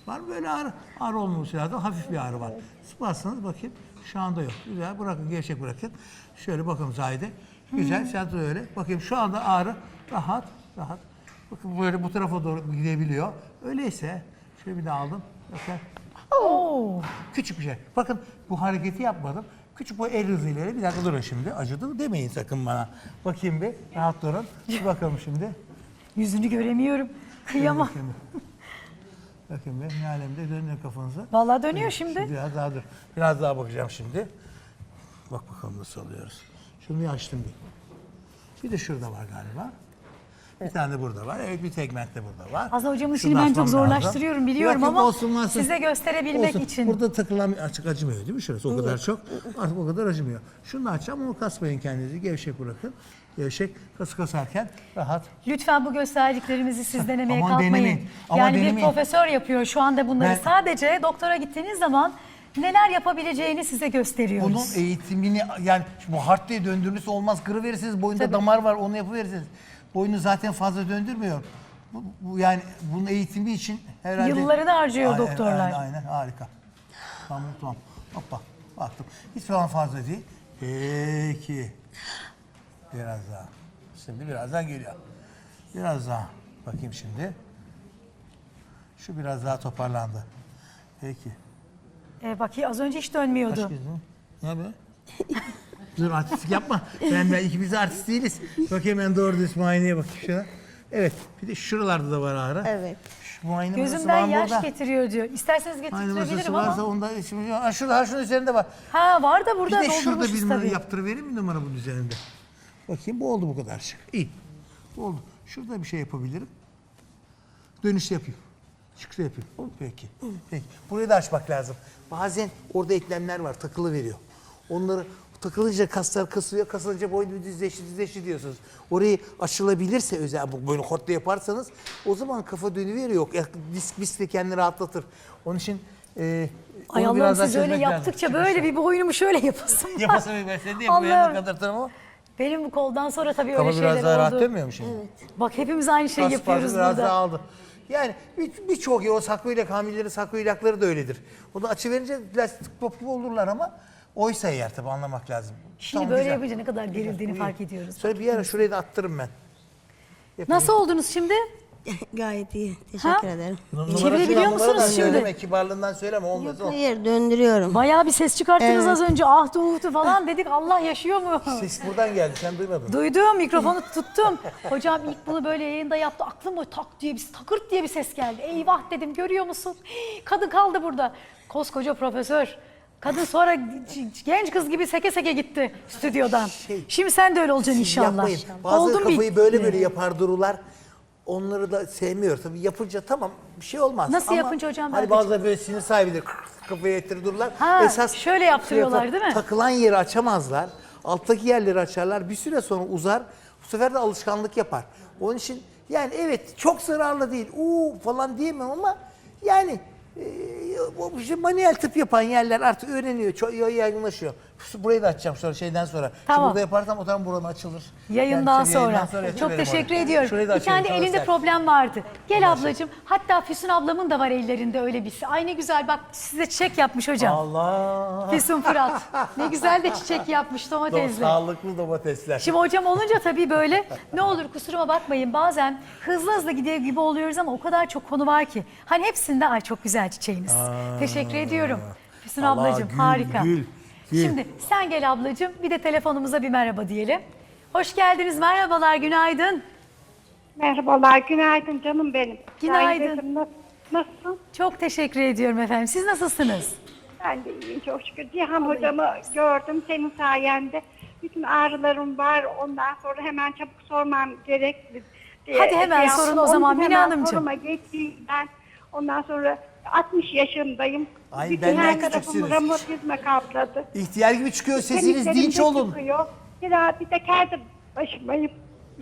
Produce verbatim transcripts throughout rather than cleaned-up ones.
Var mı böyle ağrı? Ağrı olmaması lazım. Hafif bir ağrı var. Sıkmazsanız bakayım. Şu anda yok. Güzel. Bırakın. Gevşek bırakın. Şöyle bakın Zahide. Güzel. Sen de öyle. Bakayım şu anda ağrı rahat. Rahat. Bakın böyle bu tarafa doğru gidebiliyor. Öyleyse şöyle bir daha aldım. Bakın. Oo. Küçük bir şey. Bakın bu hareketi yapmadım. Küçük bu el hızıyla. Bir dakika durun şimdi. Acıdı mı demeyin sakın bana. Bakayım bir. Rahat durun. Bir bakalım şimdi. Yüzünü göremiyorum. Kıyamam. Bakayım bir. Bakın bir. Ne alemde dönüyor kafanıza. Vallahi dönüyor şimdi. Şimdi biraz daha dur. Biraz daha bakacağım şimdi. Bak bakalım nasıl alıyoruz. Şunu bir açtım bir. Bir de şurada var galiba. Bir tane de burada var. Evet bir tegment de burada var. Aslında hocamın Şunu işini ben çok açmam zorlaştırıyorum lazım. biliyorum Yok, yok, ama olsun, olsun. size gösterebilmek Olsun. için. Burada takılan açık acımıyor değil mi şurası? O kadar çok. Artık o kadar acımıyor. Şunu da açacağım ama kasmayın kendinizi. Gevşek bırakın. Gevşek kası kasarken rahat. Lütfen bu gösterdiklerimizi siz denemeye Aman kalkmayın. denemeyin. Aman Yani bir denemeyin. profesör yapıyor şu anda bunları. Ben- Sadece doktora gittiğiniz zaman neler yapabileceğini size gösteriyoruz. Bunun eğitimini yani bu hard diye döndürmesi olmaz. Kırıverirsiniz boyunda Tabii. damar var onu yapıverirsiniz. Boynu zaten fazla döndürmüyor. Bu, bu yani bunun eğitimi için herhalde... Yıllarını harcıyor Aynen, doktorlar. Aynen, aynen harika. Tamam tamam. Hoppa baktım. Hiç falan fazla değil. Peki. Biraz daha. Şimdi biraz daha geliyor. Biraz daha. Bakayım şimdi. Şu biraz daha toparlandı. Peki. Ee, bak az önce hiç dönmüyordu. Kaç kez mi? Ne be? Dur artistlik yapma. Ben ben ikimiz de artist değiliz. Bakayım ben doğru düz muayeneye bakayım şuna. Evet. Bir de şuralarda da var ağrı. Evet. Şu muayene masası Gözümden var mı yaş burada? getiriyor diyor. İsterseniz Muayene masası getirebilirim varsa ama. onda şimdi ha şurada ha şunun üzerinde var. Ha var da Bir burada de şurada doldurmuşuz bir numara tabii. yaptırıvereyim mi numara bunun üzerinde? Bakayım bu oldu bu kadar şık. İyi. Bu oldu. Şurada bir şey yapabilirim. Dönüş yapayım. Çıkışta yapayım. Peki. Peki. Burayı da açmak lazım. Bazen orada eklemler var takılı veriyor. Onları takılınca kaslar kasılıyor, kasılınca boynu düzleşti, düzleşti diyorsunuz. Orayı açılabilirse özel bu böyle hortla yaparsanız o zaman kafa dönüveriyor. Ya, disk misk de kendini rahatlatır. Onun için e, Ay onu Allah'ım biraz daha siz öyle çözmek lazım. yaptıkça böyle bir boynumu şöyle yapasın. Yapasın bir ben de bu yanına Allah'ım. kadar ama. Benim bu koldan sonra tabii Kafa öyle biraz şeyler daha rahat oldu. dönmüyor mu şimdi? Bak hepimiz aynı şeyi Kas yapıyoruz parçası biraz burada. daha aldı. Yani bir- birçok o saklı ilak, hamileleri saklı ilakları da öyledir. O da açı verince plastik top gibi olurlar ama oysa eğer tabii anlamak lazım. Şimdi Tamam, böyle güzel. yapınca ne kadar gerildiğini Bu iyi. fark ediyoruz. Sonra bir ara şurayı da attırırım ben. Nasıl oldunuz şimdi? Gayet iyi. Teşekkür Ha? ederim. Çevirebiliyor Numaradan musunuz şimdi? Söyleme, kibarlığından söyleme olmaz Yok o. hayır döndürüyorum. Bayağı bir ses çıkarttınız Evet. az önce. Ahtu uhtu falan dedik. Allah yaşıyor mu? Ses buradan geldi sen duymadın. Duydum, mikrofonu tuttum. Hocam ilk bunu böyle yayında yaptı. Aklım o tak diye bir takırt diye bir ses geldi. Eyvah dedim, görüyor musun? Hii, kadın kaldı burada. Koskoca profesör. Kadın sonra genç kız gibi seke seke gitti stüdyodan. Şimdi sen de öyle olacaksın inşallah. Yapmayın. Bazı Oldun kafayı bir- böyle böyle yapar dururlar. Onları da sevmiyor. Tabii yapınca tamam bir şey olmaz. Nasıl Ama yapınca hocam? Hani Ben de- bazıları böyle sinir sahibidir. Kafayı ettirir dururlar. Ha, şöyle yaptırıyorlar, şey yapar, değil mi? Takılan yeri açamazlar. Alttaki yerleri açarlar. Bir süre sonra uzar. Bu sefer de alışkanlık yapar. Onun için yani evet çok zararlı değil. Uuu falan diyemem ama yani e, o işte manuel tıp yapan yerler artık öğreniyor. Çok yaygınlaşıyor. Burayı da açacağım sonra şeyden sonra. Tamam. Şimdi burada yaparsam o zaman buram açılır. Yayından Yani sonra. yayından Çok yapıveririm teşekkür orayı. ediyorum. Şurayı da Bir açıyorum, tane sana elinde ser. problem vardı. Gel ablacığım. Hatta Füsun ablamın da var ellerinde öyle birisi. Ay ne güzel bak size çiçek yapmış hocam. Allah. Füsun Fırat. Ne güzel de çiçek yapmış Do- domatesle. sağlıklı domatesler. Şimdi hocam olunca tabii böyle ne olur kusuruma bakmayın bazen hızlı hızlı gidiyor gibi oluyoruz ama o kadar çok konu var ki. Hani hepsinde ay çok güzel çiçeğiniz. Teşekkür ediyorum. Füsun Allah, ablacığım gül, harika. gül, gül. Şimdi sen gel ablacığım bir de telefonumuza bir merhaba diyelim. Hoş geldiniz, merhabalar, günaydın. Merhabalar, günaydın canım benim. Günaydın. Sahide'cim, Nasıl, nasılsın? Çok teşekkür ediyorum efendim. Siz nasılsınız? Ben de iyiyim çok şükür. Cihan hocamı gördüm senin sayende. Bütün ağrılarım var. Ondan sonra hemen çabuk sormam gerekli diye. Hadi hemen şey sorun yaptım. o zaman Onun Mine hemen Hanımcığım. soruma geçeyim ben. Ondan sonra altmış yaşındayım. Ay, Bütün benden her tarafımı küçüksünüz. romatizma kapladı. İhtiyar gibi çıkıyor sesiniz Kemiklerim dinç de olun. çıkıyor. Bir daha bir teker de başımayım.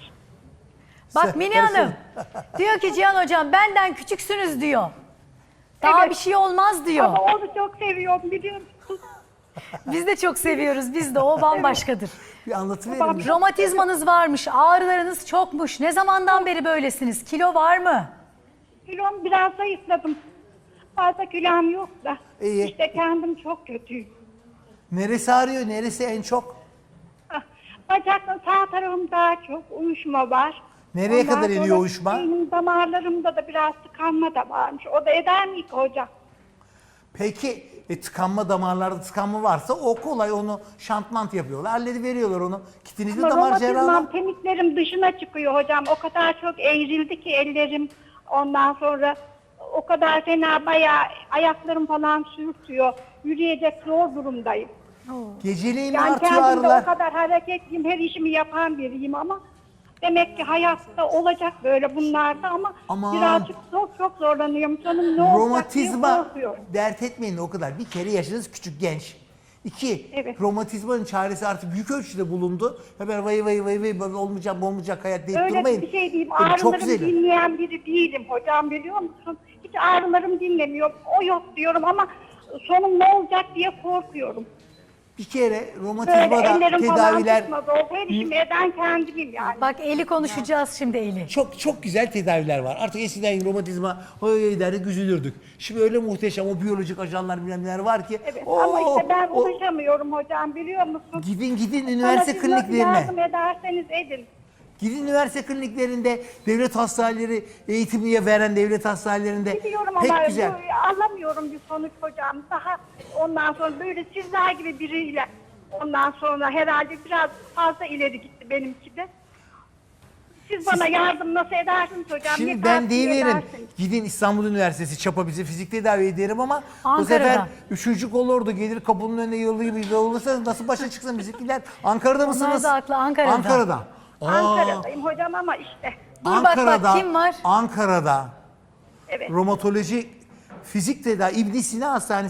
Bak Sen- Mine karışın. Hanım diyor ki Cihan hocam benden küçüksünüz diyor. Daha Evet. bir şey olmaz diyor. Ama onu çok seviyorum biliyor musun? Biz de çok seviyoruz. Biz de o bambaşkadır. Bir anlatıverin. Babam- Romatizmanız varmış, ağrılarınız çokmuş. Ne zamandan beri böylesiniz? Kilo var mı? Kilom biraz zayıfladım. fazla külahım yok da. İyi. İşte kendim çok kötüyüm. Neresi ağrıyor? Neresi en çok? Ah, Bacakla sağ tarafımda çok uyuşma var. Nereye Ondan kadar iniyor sonra uyuşma? Benim damarlarımda da biraz tıkanma da varmış. O da eder mi ki hocam? Peki e, tıkanma damarlarda tıkanma varsa o kolay, onu şantmant yapıyorlar. Hallediveriyorlar onu. Kitinizli Ama damar cerrahı. romatizmam kemiklerim dışına çıkıyor hocam. O kadar çok eğrildi ki ellerim. Ondan sonra o kadar fena bayağı ayaklarım falan sürtüyor. Yürüyecek zor durumdayım. Geceliğin mi Yani artıyor kendimde ağrılar? o kadar hareketliyim, her işimi yapan biriyim ama demek ki hayatta olacak böyle bunlarda ama Aman. birazcık çok çok zorlanıyorum. Sonum ne olacak diye Romatizma korkuyorum. dert etmeyin o kadar. Bir kere yaşınız küçük, genç. İki, Evet. romatizmanın çaresi artık büyük ölçüde bulundu. Hemen vay vay vay vay böyle olmayacak olmayacak hayat deyip Öyle durmayın. bir şey diyeyim. Çok Ağrılarım güzel. dinleyen biri değilim hocam, biliyor musun? Hiç ağrılarım dinlemiyor. O yok diyorum ama sonum ne olacak diye korkuyorum. Bir kere Böyle romatizmada ellerim falan tedaviler tutmaz oldu. Her işimi eden kendimim yani. Bak Eli konuşacağız şimdi Eli. çok çok güzel tedaviler var. Artık eskiden romatizma oy derdik, üzülürdük. Şimdi öyle muhteşem o biyolojik ajanlar bilmem neler var ki. Evet Oo, ama işte ben o- ulaşamıyorum hocam, biliyor musun? Gidin gidin Bana üniversite siz nasıl kliniklerine. yardım ederseniz edin. Gidin üniversite kliniklerinde, devlet hastaneleri, eğitimliye veren devlet hastanelerinde. Biliyorum Pek ama güzel. bu- alamıyorum bir sonuç hocam. Daha ondan sonra böyle sizler gibi biriyle ondan sonra herhalde biraz fazla ileri gitti benimki de. Siz bana yardım nasıl edersiniz hocam? Şimdi Ne ben tavsiye deyiverim. edersiniz? Gidin İstanbul Üniversitesi çapa bize fizik tedavi ederim ama bu Ankara'da. sefer üçüncü olurdu. Gelir kapının önüne yollayıp olursa nasıl başa çıksın bizimkiler? Ankara'da mısınız? da haklı, Ankara'da. Ankara'da. Aa, Ankara'dayım hocam ama işte. Dur bak bak, kim var? Ankara'da Evet. romatoloji fizik tedavi İbn Sina Hastanesi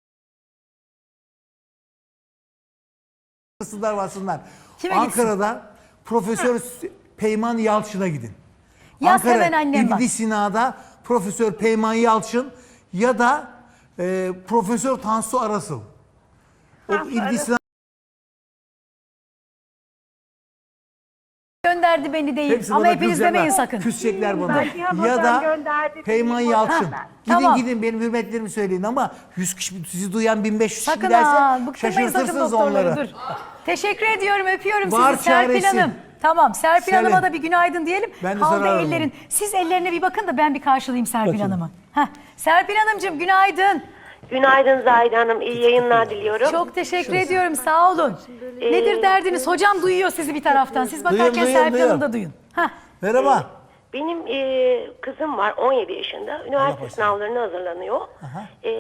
varsınlar varsınlar. Kime Ankara'da Profesör Peyman Yalçın'a gidin. Yaz hemen annem bak. İbn Sina'da Profesör Peyman Yalçın ya da e, Profesör Tansu Arasıl. O Tansu İbn Arasıl. Sina Gönderdi beni değil. hepsi Ama bana hepiniz kızacaklar, demeyin sakın. Küsecekler bana. Ben Cihan Ya Hocam da gönderdi, Peyman değil mi? Yalçın. Ha, Gidin tamam. gidin benim hürmetlerimi söyleyin ama yüz kişi sizi duyan bin beş yüz kişi Sakın giderse ha. Bıktırmayın sakın şaşırtırsınız doktorları. onları. Dur. Teşekkür ediyorum. Öpüyorum Var sizi Serpil çaresi. Hanım. Tamam Serpil Selin. Hanım'a da bir günaydın diyelim. Ben de Kaldı sorarım. ellerin. Siz ellerine bir bakın da ben bir karşılayayım Serpil Bakayım. Hanım'ı. Heh. Serpil Hanımcığım günaydın. Günaydın Zahide Hanım, iyi yayınlar diliyorum. Çok teşekkür ediyorum. Sağ olun. Nedir derdiniz? Hocam duyuyor sizi bir taraftan. Siz bakarken Duyuyorum, duyuyorum, Serpil Hanım da duyuyorum. duyun. Heh. Merhaba. Benim e, kızım var, on yedi yaşında, üniversite başlasın. sınavlarına hazırlanıyor. E,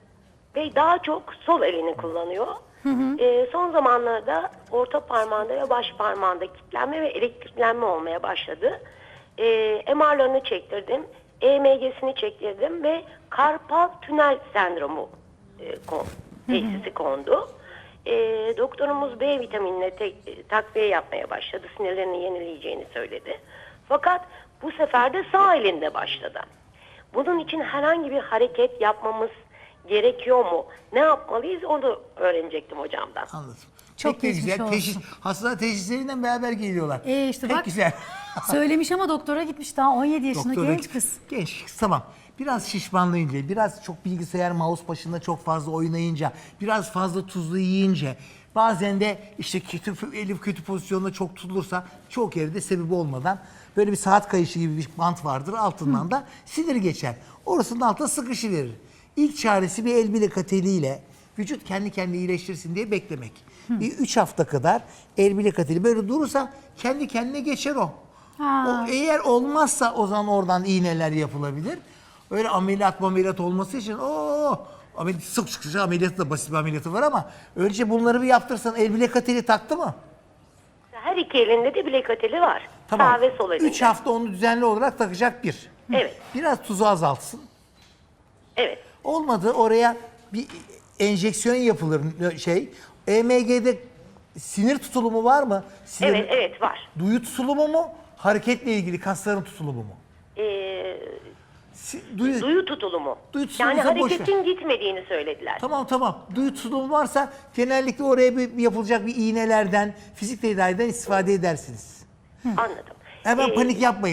ve daha çok sol elini kullanıyor. E, son zamanlarda orta parmağında ve baş parmağında kilitlenme ve elektriklenme olmaya başladı. E, M R'larını çektirdim, E M G'sini çektirdim ve karpal tünel sendromu e, kon, teşhisi kondu. E, doktorumuz B vitaminine tek, takviye yapmaya başladı. Sinirlerini yenileyeceğini söyledi. Fakat bu sefer de sağ elinde başladı. Bunun için herhangi bir hareket yapmamız gerekiyor mu? Ne yapmalıyız onu öğrenecektim hocamdan. Anladım. Çok Pek de geçmiş güzel. olsun. Teşhis, hasta teşhislerinden beraber geliyorlar. Ee, işte Pek bak. güzel. Söylemiş ama doktora gitmiş daha on yedi yaşında Doktora- genç kız. Genç kız, tamam. Biraz şişmanlayınca, biraz çok bilgisayar, mouse başında çok fazla oynayınca, biraz fazla tuzlu yiyince, bazen de işte kötü, elif kötü pozisyonda çok tutulursa çok yerde sebebi olmadan böyle bir saat kayışı gibi bir bant vardır. Altından da sinir geçer. Orasının altına sıkışıverir. İlk çaresi bir el bilek ateliyle vücut kendi kendine iyileştirsin diye beklemek. Bir üç hafta kadar el bilek ateli böyle durursa kendi kendine geçer o. Ha. O eğer olmazsa o zaman oradan iğneler yapılabilir. Öyle ameliyat ameliyat olması için o ameliyat sık sık sık ameliyatı da basit bir ameliyatı var ama önce bunları bir yaptırsan. El bilek ateli taktı mı? Her iki elinde de bilek ateli var. Tamam. Sağ ve sol elinde. üç hafta onu düzenli olarak takacak bir. Evet. Biraz tuzu azaltsın. Evet. Olmadı oraya bir enjeksiyon yapılır şey. E M G'de sinir tutulumu var mı? Sinir, Evet, evet var. Duyu tutulumu mu? Hareketle ilgili kasların tutulumu mu? Ee, Si- duyu, duyu tutulumu. Duyu tutulumu Yani ise boş ver. hareketin gitmediğini söylediler. Tamam tamam. Duyu tutulumu varsa genellikle oraya bir, bir yapılacak bir iğnelerden, fizik tedaviden istifade edersiniz. Anladım. Hemen Ee, panik yapmayın.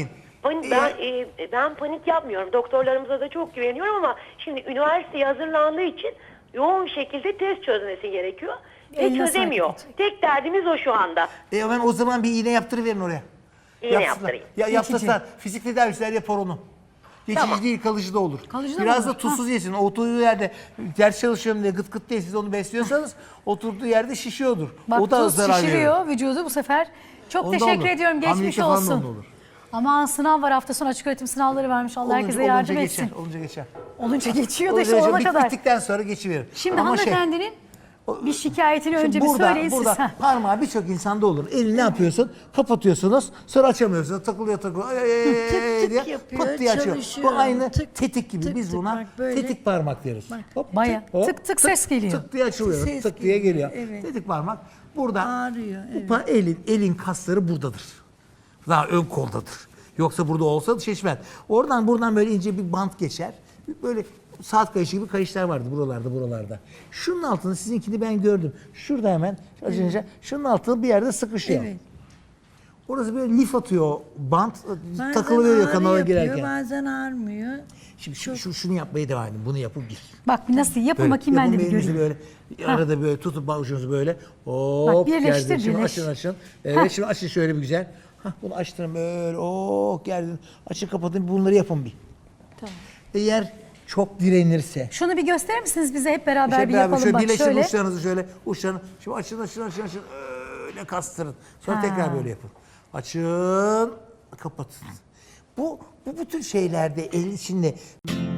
Panik, ben, e, ben panik yapmıyorum. Doktorlarımıza da çok güveniyorum ama şimdi üniversiteye hazırlandığı için yoğun bir şekilde test çözmesi gerekiyor. Ve Eline çözemiyor. sağlık. Tek derdimiz o şu anda. E ben o zaman bir iğne yaptırıverin oraya. İğne Yapsınlar. yaptırayım. Ya yaptırsalar fizik tedavisler yapar onu. Geçici Tamam. değil, kalıcı da olur. Kalıcı da Biraz mı da olur? tuzsuz yesin. Oturduğu yerde ders çalışıyorum diye gıt gıt diye siz onu besliyorsanız oturduğu yerde şişiyordur. Bak o da tuz zarar şişiriyor veriyor. vücudu bu sefer. Çok Onda teşekkür olur. ediyorum. Geçmiş Hamilelikte falan da onda olsun. olur. Aman sınav var, hafta sonu açık öğretim sınavları varmış. Allah Olunca- herkese yardım olunca etsin. Geçer, olunca geçer. Olunca geçiyor da Olunca işte geçer. olana Bit- kadar. Bittikten sonra geçiverir. Şimdi Ama şey, hanımefendinin bir şikayetini Şimdi önce bir burada, söyleyin burada siz. Heh. parmağı birçok insanda olur. Elini ne yapıyorsun? Kapatıyorsunuz. Sonra açamıyorsunuz. Takılıyor takılıyor. Ay, ay, ay, Tık ay tık diye yapıyor, pıt diye açıyor. çalışıyor. Bu aynı Tık, tetik gibi. tık, Biz tık, buna bak böyle. tetik parmak deriz. Hop, Baya hop, tık tık ses geliyor. Tık diye açılıyor. Ses tık diye geliyor, geliyor. evet. Tetik parmak. Burada Ağrıyor, bu evet. pa- elin, elin kasları buradadır. Daha ön koldadır. Yoksa burada olsa şişmez. Oradan buradan böyle ince bir bant geçer. Böyle saat kayışı gibi kayışlar vardı buralarda buralarda. Şunun altında sizinkini ben gördüm. Şurada hemen açınca şunun altında bir yerde sıkışıyor. Evet. Orası böyle lif atıyor bant Bazen takılıyor ağrı kanala yapıyor, girerken. bazen ağrımıyor. Şimdi şu, şu- şunu yapmaya devam edin. Bunu yapıp gir. Bak nasıl yapın Böyle. bakayım ben Yapın de bir elinizi göreyim. böyle arada böyle tutup avucunuzu böyle hop birleştir, gerdin. Şimdi birleş. açın açın. Evet şimdi açın şöyle bir güzel. Hah, bunu açtırın böyle oh gerdin. Açın kapatın bunları yapın bir. Tamam. Eğer çok direnirse. Şunu bir gösterir misiniz bize hep beraber Şöyle bir beraber yapalım şöyle bak birleştirin şöyle. uçlarınızı şöyle uçlarını. Şimdi açın açın açın açın. Öyle kastırın. Sonra Ha. tekrar böyle yapın. Açın kapatın. Bu, bu bütün şeylerde el içinde